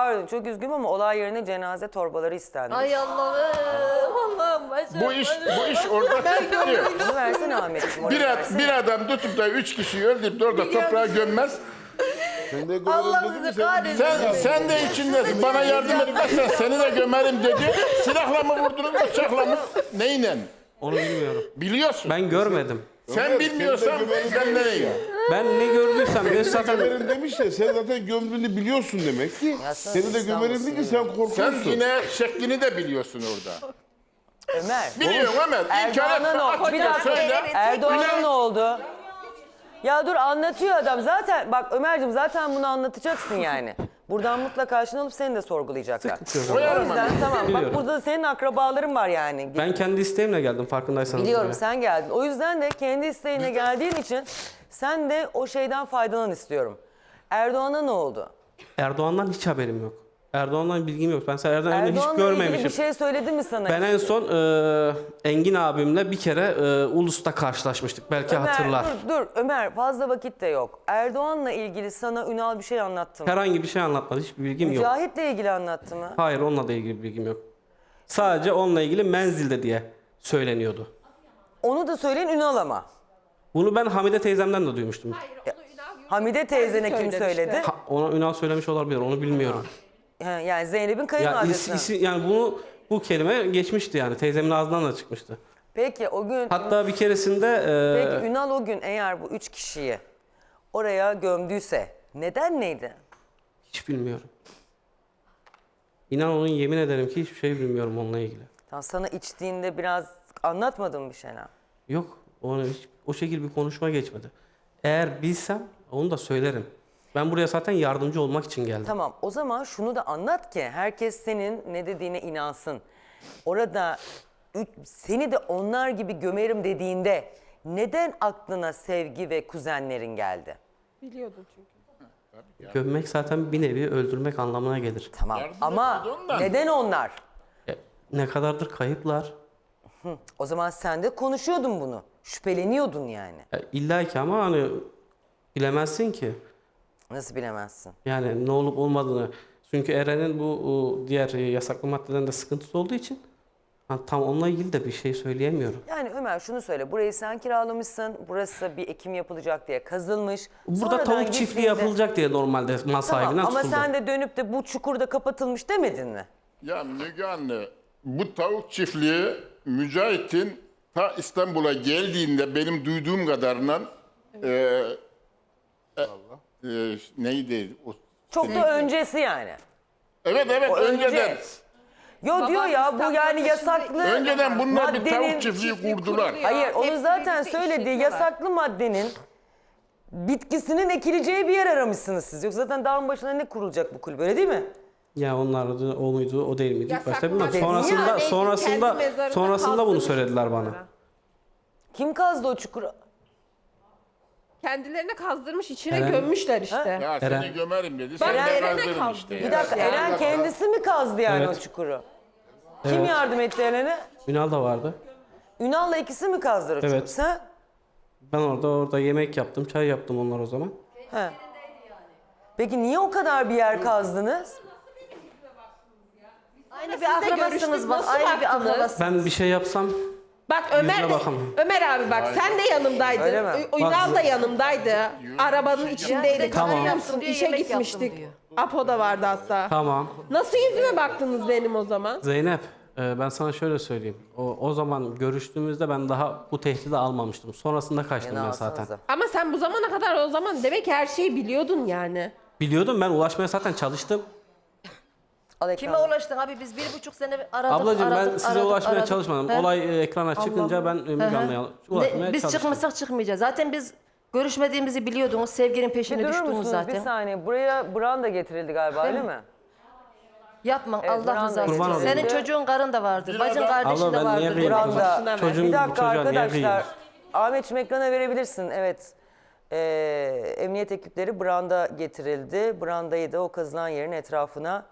pardon çok üzgünüm ama olay yerine cenaze torbaları istendi. Ay Allah'ım başım. Bu iş orada çıkıyor. Bunu versene Ahmetciğim. oraya versene. Bir adam tutup da 3 kişiyi öldürüp de orada toprağa gömmez. Sen de Allah görelim bizi dedi mi? kahretsin. Sen de içindesin. Bana yardım etmezsen seni de gömerim dedi. Silahla mı vurdunuz, bıçakla mı? Neyle? Onu bilmiyorum. Biliyorsun. Ben görmedim. Sen bilmiyorsan sen nereye? Ben ne gördüysem ben zaten Gömerim demiş ya, sen zaten gömdüğünü biliyorsun demek ki. Yazsana Seni de İstanbul gömerim değil ki, sen Sen korkuyorsun. yine şeklini de biliyorsun orada. Ömer. Biliyorum ama Erdoğan'a ne oldu? Bir dakika. söyle. Erdoğan'a ne oldu? Ya dur anlatıyor adam. Zaten bak Ömerciğim zaten bunu anlatacaksın yani. Buradan mutlaka karşına alıp seni de sorgulayacaklar. O Koyarım yüzden ama. tamam bak Biliyorum. burada senin akrabaların var yani. ben kendi isteğimle geldim farkındaysanız. Biliyorum buraya. sen geldin. O yüzden de kendi isteğine geldiğin için sen de o şeyden faydalan istiyorum. Erdoğan'a ne oldu? Erdoğan'dan hiç haberim yok. Erdoğan'dan bilgim yok. Ben Erdoğan'ı hiç Erdoğan'la görmemişim. ilgili bir şey söyledi mi sana? Ben en son Engin abimle bir kere Ulus'ta karşılaşmıştık. Belki Ömer, hatırlar. dur Ömer fazla vakit de yok. Erdoğan'la ilgili sana Ünal bir şey anlattı mı? Herhangi bir şey anlatmadı. Hiçbir bilgim yok. Mücahit'le ilgili anlattı mı? Hayır, onunla da ilgili bir bilgim yok. Sadece onunla ilgili menzilde diye söyleniyordu. Onu da söyleyin Ünal ama. Bunu ben Hamide teyzemden de duymuştum. Hamide teyzene kim söyledi? Ona Ünal söylemiş olabilir, onu bilmiyorum. Yani Zeynep'in Ya kayınvalidesine. yani bu kelime geçmişti yani. Teyzemin ağzından da çıkmıştı. Peki o gün, Hatta bir keresinde peki Ünal o gün eğer bu 3 kişiyi oraya gömdüyse neden neydi? hiç bilmiyorum. İnan onun yemin ederim ki hiçbir şey bilmiyorum onunla ilgili. Tamam, sana içtiğinde biraz anlatmadın bir şeyler. Yok, o şekilde bir konuşma geçmedi. Eğer bilsem onu da söylerim. Ben buraya zaten yardımcı olmak için geldim. Tamam o zaman şunu da anlat ki herkes senin ne dediğine inansın. Orada seni de onlar gibi gömerim dediğinde neden aklına Sevgi ve kuzenlerin geldi? Biliyordum çünkü. Gömmek zaten bir nevi öldürmek anlamına gelir. Tamam Yardım ama etmedi ondan. neden onlar? Ne kadardır kayıplar. O zaman sen de konuşuyordun bunu. Şüpheleniyordun yani. İlla ki ama hani bilemezsin ki. Nasıl bilemezsin? Yani ne olup olmadığını. Çünkü Eren'in bu diğer yasaklı maddeden de sıkıntısı olduğu için tam onunla ilgili de bir şey söyleyemiyorum. Yani Ömer şunu söyle. Burayı sen kiralamışsın. Burası bir ekim yapılacak diye kazılmış. Burada Sonradan tavuk çiftliği gittiğinde- yapılacak diye normalde mal sahibinden Tamam, ama tutuldu. sen de dönüp de bu çukurda kapatılmış demedin mi? Ya Müge anne, bu tavuk çiftliği Mücahit'in ta İstanbul'a geldiğinde benim duyduğum kadarıyla neydi o? Çok da öncesi yani. Evet O önce. önceden. Yo diyor ya bu yani yasaklı Önceden bunlar bir maddenin- tavuk çiftliği kurdular. Hayır onu Hepsi zaten birlikte söylediği işletiyorlar. yasaklı maddenin bitkisinin ekileceği bir yer aramışsınız siz. Yoksa zaten dağın başına ne kurulacak bu kulüp öyle değil mi? Ya onlar da o muydu, o değil miydi? İlk Yasaklı başta bilmem. madde Sonrasında yani sonrasında kendi mezarında sonrasında bunu kazmış söylediler bana. Kim kazdı o çukuru? Kendilerine kazdırmış, içine Eren. gömmüşler işte. Ya Eren. seni gömerim dedi. Bak, Sen de Eren'e kazdırın kaldı. işte. Bir ya. dakika Eren kendisi mi kazdı yani Evet. o çukuru? Kim yardım etti Eren'e? Ünal da vardı. Ünal'la ikisi mi kazdılar o çukuru? Evet. Sen? Ben orada yemek yaptım, çay yaptım onlar o zaman. He. Peki niye o kadar bir yer kazdınız? Aynı Siz bir de akrabasınız görüştünüz, bak. nasıl Aynı bir baktınız? akrabasınız. Ben bir şey yapsam Bak Ömer Yüzüne de, bakamam. Ömer abi bak sen de yanımdaydın. Öyle mi? Ünal da yanımdaydı. Arabanın içindeydik. Tamam. Hatırlıyor musun? Diyor, İşe yemek gitmiştik. yaptım diyor. Apo da vardı hatta. tamam. Nasıl yüzüme baktınız benim o zaman? Zeynep, ben sana şöyle söyleyeyim. O zaman görüştüğümüzde ben daha bu tehdidi almamıştım. Sonrasında kaçtım Yine ben zaten. alsanıza. Ama sen bu zamana kadar o zaman demek ki her şeyi biliyordun yani. Biliyordum, ben ulaşmaya zaten çalıştım. Al Kime ekranı. ulaştın abi? Biz 1,5 sene aradık. Ablacığım ben aradık, size aradık, ulaşmaya aradık. çalışmadım. He? Olay ekrana çıkınca ben Müge Anlı'ya ulaşmaya Biz çalıştım. çıkmasak çıkmayacağız. Zaten biz görüşmediğimizi biliyordunuz. Sevginin Bir peşine durur düştünüz musunuz zaten. bir saniye? Buraya branda getirildi galiba değil mi? Yapma Evet, Allah Kurban rızası Kurban için. olayım. Senin çocuğun karın da vardır. Bir Bacın adam- kardeşin Abla de ben niye vardır. kıyayım Branda. kızım? Başına ver. Çocuğum Bir bu dakika çocuğa niye arkadaşlar. kıyayım? Ahmetciğim ekrana verebilirsin. Evet. Emniyet ekipleri branda getirildi. Brandayı da o kazılan yerin etrafına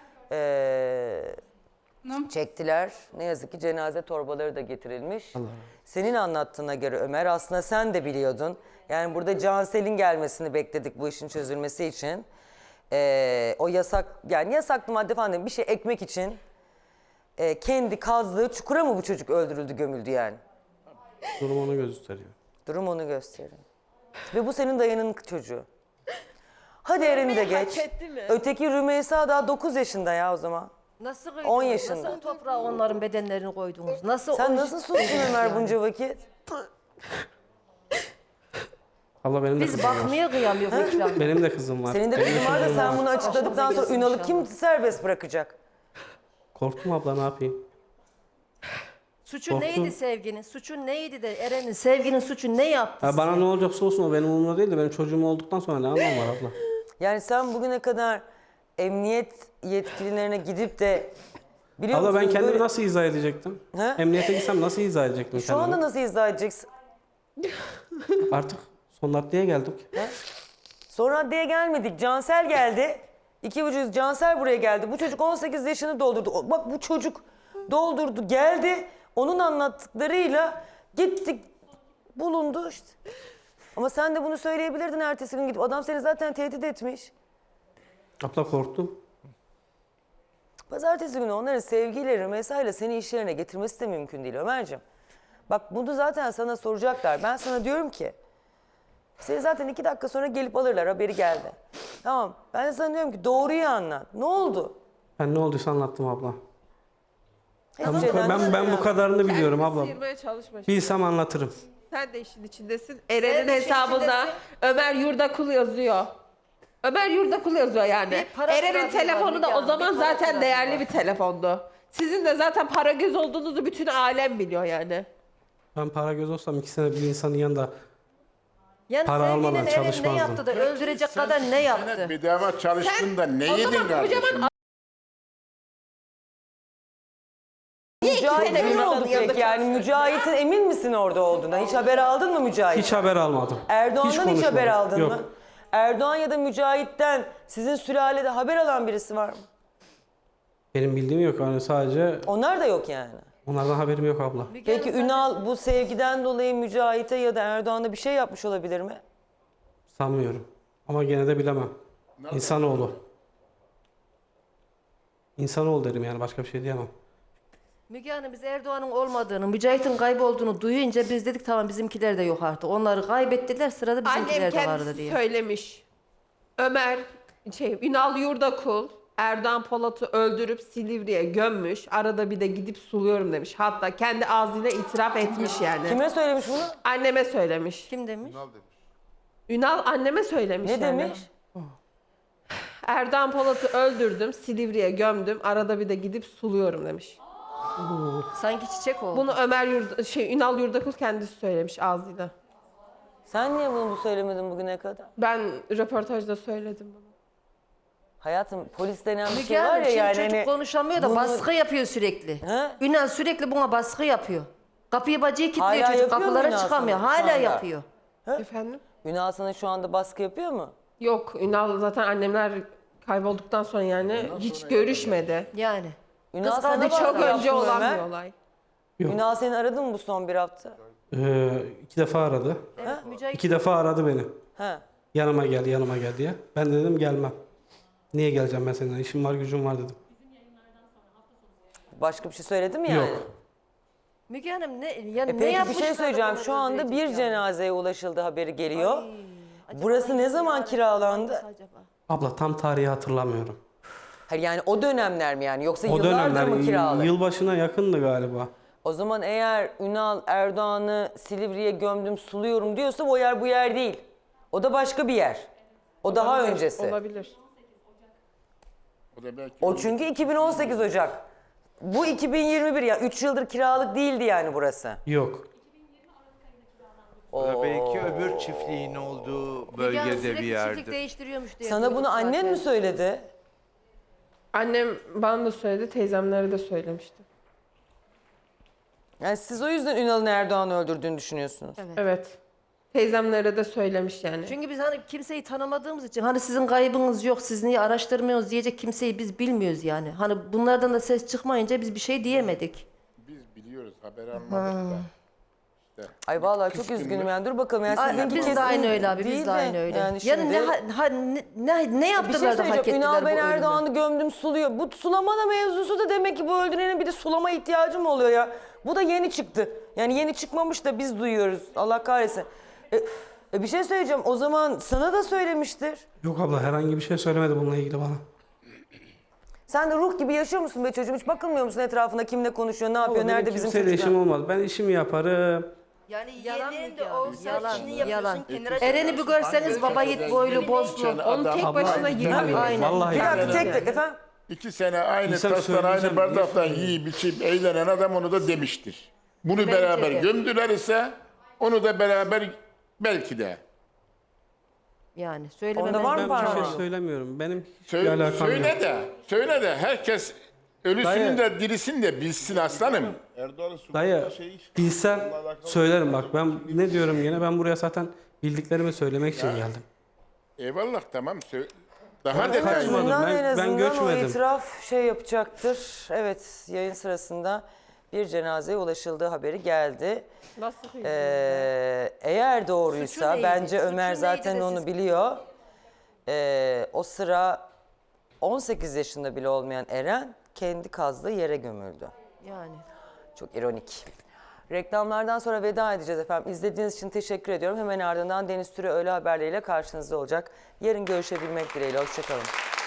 çektiler. Ne yazık ki cenaze torbaları da getirilmiş. Senin anlattığına göre Ömer aslında sen de biliyordun. Yani burada Cansel'in gelmesini bekledik bu işin çözülmesi için. o yasaklı madde falan değil, bir şey ekmek için kendi kazdığı çukura mı bu çocuk öldürüldü, gömüldü yani? Durum onu gösteriyor. Durum onu gösteriyor. Ve bu senin dayının çocuğu. Hadi Eren'i de geç. etti mi? Öteki Rümeysa daha 9 yaşında ya o zaman. Nasıl 10 yaşında. Nasıl toprağa onların bedenlerini koydunuz? Nasıl Sen o- nasıl sustun Ömer bunca vakit? Abla benim de Biz kızım var. bakmaya kıyamıyoruz ekran. Benim de kızım var. Senin de kızın var da sen bunu açıkladıktan sonra Ünal'ı kim serbest bırakacak? Korktum abla, ne yapayım? Suçu Korktum. neydi Sevgi'nin? Suçu neydi de Eren'in, Sevgi'nin suçu ne yaptı? Ya bana ne olacaksa olsun, o benim umurumda değil de benim çocuğum olduktan sonra ne anlam var abla? Yani sen bugüne kadar emniyet yetkililerine gidip de biliyor Abla ben musun kendimi böyle- nasıl izah edecektim? He? Emniyete gitsem nasıl izah edecektim Şu kendimi? anda nasıl izah edeceksin? Artık son raddeye geldik. Son raddeye gelmedik. Cansel geldi. 2,5 Cansel buraya geldi. Bu çocuk 18 yaşını doldurdu. Bak bu çocuk doldurdu geldi. Onun anlattıklarıyla gittik bulundu işte. Ama sen de bunu söyleyebilirdin ertesi gün gidip. Adam seni zaten tehdit etmiş. Abla korktum. Pazartesi günü onların sevgiyle, mesaiyle seni iş yerine getirmesi de mümkün değil Ömerciğim. Bak bunu zaten sana soracaklar. Ben sana diyorum ki seni zaten 2 dakika sonra gelip alırlar, haberi geldi. Tamam, ben de sana diyorum ki doğruyu anlat. Ne oldu? Ben ne olduysa anlattım abla. Hiçbir şeyden Ben bu kadarını biliyorum Kendini abla. sıyırmaya çalışma. Bilsem anlatırım. Sen de işin içindesin. Eren'in de işin hesabında içindesin. Ömer Yurdakul yazıyor. Ömer Yurdakul yazıyor yani. Bir para Eren'in trafiği var, telefonu da Müge o Hanım, zaman bir para zaten trafiği değerli var. bir telefondu. Sizin de zaten para göz olduğunuzu bütün alem biliyor yani. Ben para göz olsam 2 sene bir insanın yanında Yani para Sevgi'nin almadan Eren ne çalışmazdım. yaptı da öldürecek kadar ne yaptı? Bedava çalıştın da ne o yedin zaman kardeşim? kocaman Mücahit sene emin bir olduk yanında peki yani Mücahit'in emin misin orada olduğuna? Hiç haber aldın mı Mücahit? hiç haber almadım. Erdoğan'dan hiç konuşmadım. haber aldın Yok. mı? Erdoğan ya da Mücahit'ten sizin sülalede haber alan birisi var mı? Benim bildiğim yok. Yani sadece Onlar da yok yani. onlardan haberim yok abla. Peki Ünal bu sevgiden dolayı Mücahit'e ya da Erdoğan'a bir şey yapmış olabilir mi? Sanmıyorum. Ama gene de bilemem. İnsanoğlu. İnsanoğlu derim yani, başka bir şey diyemem. Müge Hanım biz Erdoğan'ın olmadığını, Mücahit'in kaybolduğunu duyunca biz dedik tamam bizimkiler de yok artık. Onları kaybettiler, sırada annem bizimkiler de vardı kendisi diye. söylemiş. Ömer, Ünal Yurdakul, Erdoğan Polat'ı öldürüp Silivri'ye gömmüş. Arada bir de gidip suluyorum demiş. Hatta kendi ağzıyla itiraf etmiş yani. Kime söylemiş bunu? Anneme söylemiş. Kim demiş? Ünal anneme söylemiş Ne yani. demiş? Erdoğan Polat'ı öldürdüm, Silivri'ye gömdüm. Arada bir de gidip suluyorum demiş. Sanki çiçek oldu. Bunu Ünal Yurdakul kendisi söylemiş ağzıyla. Sen niye bunu söylemedin bugüne kadar? Ben röportajda söyledim bunu. Hayatım polis denen bir Müge şey var Hanım ya şimdi yani. çocuk hani konuşamıyor da bunu- baskı yapıyor sürekli. He? Ünal sürekli buna baskı yapıyor. Kapıyı bacıyı kilitliyor Hala çocuk, yapıyor mu kapılara Ünal çıkamıyor. sana şu Hala anda? yapıyor. Efendim? Ünal sana şu anda baskı yapıyor mu? Yok, Ünal zaten annemler kaybolduktan sonra yani hiç görüşmedi. Yani. Ünal Kız sana kardeşi Çok baskı önce yaptı mı olan Ömer? bir olay. Yok. Ünal seni aradı mı bu son bir hafta? 2 defa aradı. Evet, Mücahit 2 defa aradı beni. He. Yanıma gel diye. Ben de dedim gelmem. Niye geleceğim ben seninle? İşim var, gücüm var dedim. Başka bir şey söyledi mi yani? Yok. Müge Hanım ne Peki bir yapmışlar şey da söyleyeceğim. bunları Şu anda öldürecek bir yani? cenazeye ulaşıldı haberi geliyor. Acaba Burası ne hangisi zaman yani? kiralandı? Hangisi acaba? Abla tam tarihi hatırlamıyorum. Hayır yani o dönemler mi yani? Yoksa O yıllardır dönemler mı kiralı? yılbaşına yakındı galiba. O zaman eğer Ünal Erdoğan'ı Silivri'ye gömdüm suluyorum diyorsa o yer bu yer değil. O da başka bir yer. O daha öncesi. Olabilir. O da belki O çünkü 2018 Ocak. Bu 2021 ya 3 yıldır kiralık değildi yani burası. Yok. Da belki öbür çiftliğin olduğu Müge Hanım bölgede bir sürekli çiftlik yerde. değiştiriyormuş diye. Sana duyduk bunu annen zaten. mi söyledi? Annem bana da söyledi, teyzemlere de söylemişti. Yani siz o yüzden Ünal'ın Erdoğan'ı öldürdüğünü düşünüyorsunuz. Evet. Teyzemlere de söylemiş yani. Çünkü biz hani kimseyi tanımadığımız için hani sizin kaybınız yok, siz niye araştırmıyorsunuz diyecek kimseyi biz bilmiyoruz yani. Hani bunlardan da ses çıkmayınca biz bir şey diyemedik. biz biliyoruz haber almadık da. Ay vallahi çok üzgünüm yani. Dur bakalım yani Ay, sizinki biz kesin de aynı öyle abi, değil biz de aynı öyle. Yani Yani, şimdi, ne bir şey yaptılar da hak söyleyeceğim. ettiler Ünal bu ben ölümü? Erdoğan'ı gömdüm suluyor. Bu sulamada mevzusu da demek ki bu öldürenin bir de sulama ihtiyacı mı oluyor ya? Bu da yeni çıktı. Yani yeni çıkmamış da biz duyuyoruz. Allah kahretsin. Bir şey söyleyeceğim. O zaman sana da söylemiştir. Yok abla herhangi bir şey söylemedi bununla ilgili bana. Sen de ruh gibi yaşıyor musun be çocuğum? Hiç bakılmıyor musun etrafında kimle konuşuyor, ne yapıyor, Benim nerede bizim kimseyle çocuklar? işim olmaz. Ben işimi yaparım. Yani Yalan yeğenin de Müge Hanım, olsa yalan, işini yalan. yapıyorsun kenara Eren'i bir görseniz baba yiğit boylu boslu. Onu tek Adam- başına Yemin yiyemiyor. ederim, Aynen. Vallahi Bir dakika billahi. tek efendim. 2 sene aynı İnsan tastan, aynı söyleyeceğim, bardaktan niye yiyip içip eğlenen adam onu da demiştir. Bunu Bence beraber de. gömdüler ise onu da beraber belki de. Yani söylemeden Onda var mı Ben bir parmağı? şey söylemiyorum. Benim hiçbir Söyle, alakam yok. söyle de herkes ölüsünün de dirisini de bilsin aslanım. Erdoğan'ın Dayı sultanı şey bilsem söylerim bak ben ne diyorum yine ben buraya zaten bildiklerimi söylemek için geldim. Eyvallah tamam. Daha Ben detaylı. kaçmadım. En Ben azından o göçmedim. itiraf şey yapacaktır. Evet, yayın sırasında bir cenazeye ulaşıldığı haberi geldi. Nasıl Eğer doğruysa, Suçu neydi? bence Suçu Ömer neydi zaten de onu siz- biliyor. O sıra 18 yaşında bile olmayan Eren kendi kazdığı yere gömüldü. Yani. Çok ironik. Reklamlardan sonra veda edeceğiz efendim. İzlediğiniz için teşekkür ediyorum. Hemen ardından Deniz Türe öğle haberleriyle karşınızda olacak. Yarın görüşebilmek dileğiyle. Hoşçakalın.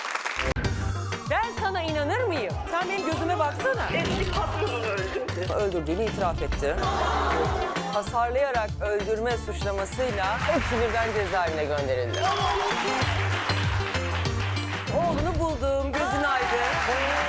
Ben sana inanır mıyım? Sen benim gözüme baksana. Eski patronunu öldürdü. Öldürdüğünü itiraf etti. Hasarlayarak öldürme suçlamasıyla hepsi birden cezaevine gönderildi. Oğlunu buldum, gözün aydın.